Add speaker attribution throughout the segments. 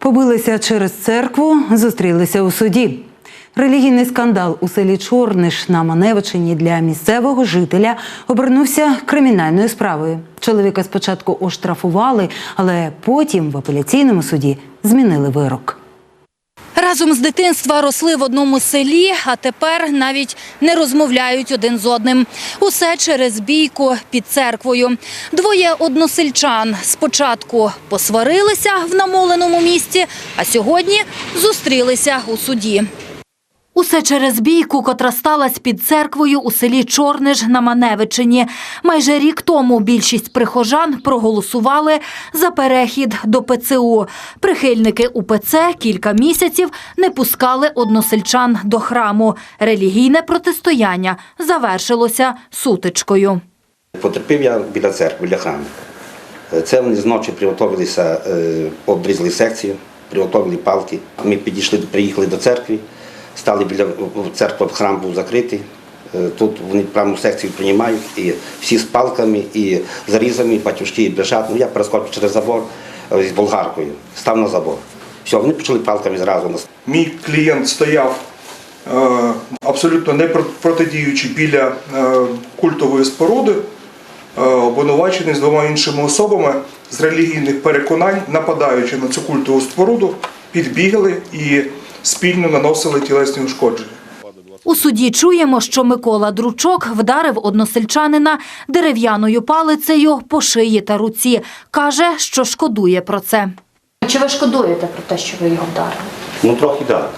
Speaker 1: Побилися через церкву, зустрілися у суді. Релігійний скандал у селі Чорниш на Маневичині для місцевого жителя обернувся кримінальною справою. Чоловіка спочатку оштрафували, але потім в апеляційному суді змінили вирок.
Speaker 2: Разом з дитинства росли в одному селі, а тепер навіть не розмовляють один з одним. Усе через бійку під церквою. Двоє односельчан спочатку посварилися в намоленому місці, а сьогодні зустрілися у суді. Усе через бійку, котра сталася під церквою у селі Чорниш на Маневичині. Майже рік тому більшість прихожан проголосували за перехід до ПЦУ. Прихильники УПЦ кілька місяців не пускали односельчан до храму. Релігійне протистояння завершилося сутичкою.
Speaker 3: Потерпів я біля церкви, біля храму. Це вони зночі приготувалися, обрізали секцію, приготували палки. Ми приїхали до церкви. Стали біля церкви, храм був закритий. Тут вони прямо секцію приймають, і всі з палками, і зарізами, батюшки, і брешат. Я перескочив через забор з болгаркою, став на забор. Все, вони почали палками зразу.
Speaker 4: Мій клієнт стояв абсолютно не протидіючи біля культової споруди, обвинувачений з двома іншими особами з релігійних переконань, нападаючи на цю культову споруду, підбігли і спільно наносили тілесні ушкодження.
Speaker 2: У суді чуємо, що Микола Дручок вдарив односельчанина дерев'яною палицею по шиї та руці. Каже, що шкодує про це.
Speaker 5: Чи ви шкодуєте про те, що ви його вдарили?
Speaker 6: Ну, трохи так.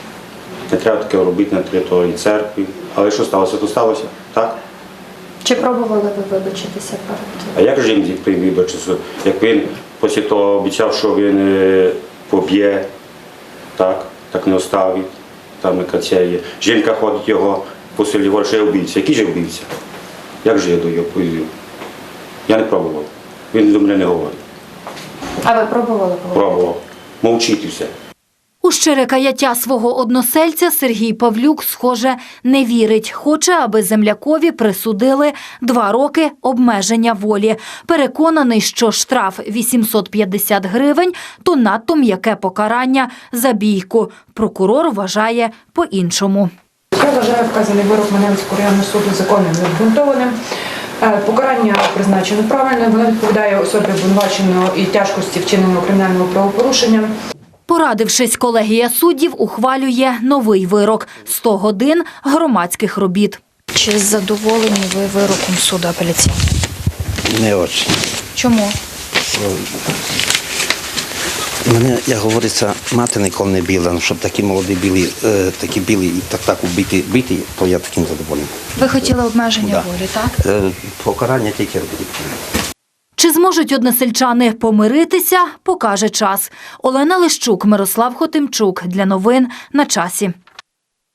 Speaker 6: Не треба таке робити на території церкви. Але що сталося, то сталося, так?
Speaker 5: Чи пробували ви вибачитися перед тим?
Speaker 6: А як же їм вибачитися? Як він після того обіцяв, що він поб'є, так не оставить, там яка це є. Жінка ходить його по селі, говорить, що я вбивця. Який же вбивця? Як же я до його повів? Я не пробував. Він до мене не говорить.
Speaker 5: А ви пробували?
Speaker 6: Пробував. Мовчить і все.
Speaker 2: У щире каяття свого односельця Сергій Павлюк, схоже, не вірить. Хоче, аби землякові присудили 2 роки обмеження волі. Переконаний, що штраф 850 гривень – то надто м'яке покарання за бійку. Прокурор вважає по-іншому.
Speaker 7: Я вважаю вказаний вирок Маневицького районного суду законним і обґрунтованим. Покарання призначено правильно, воно відповідає особі обвинуваченого і тяжкості вчиненого кримінального правопорушення.
Speaker 2: Порадившись, колегія суддів ухвалює новий вирок – 100 годин громадських робіт.
Speaker 5: Чи задоволені ви вироком суду апеляційного?
Speaker 8: Не дуже.
Speaker 5: Чому?
Speaker 8: Мене, як говориться, мати ніколи не біла, щоб такі молоді біли і так биті, то я таким задоволений.
Speaker 5: Ви хотіли обмеження волі, так?
Speaker 8: Покарання тільки робити.
Speaker 2: Чи зможуть односельчани помиритися, покаже час. Олена Лищук, Мирослав Хотимчук. Для новин на часі.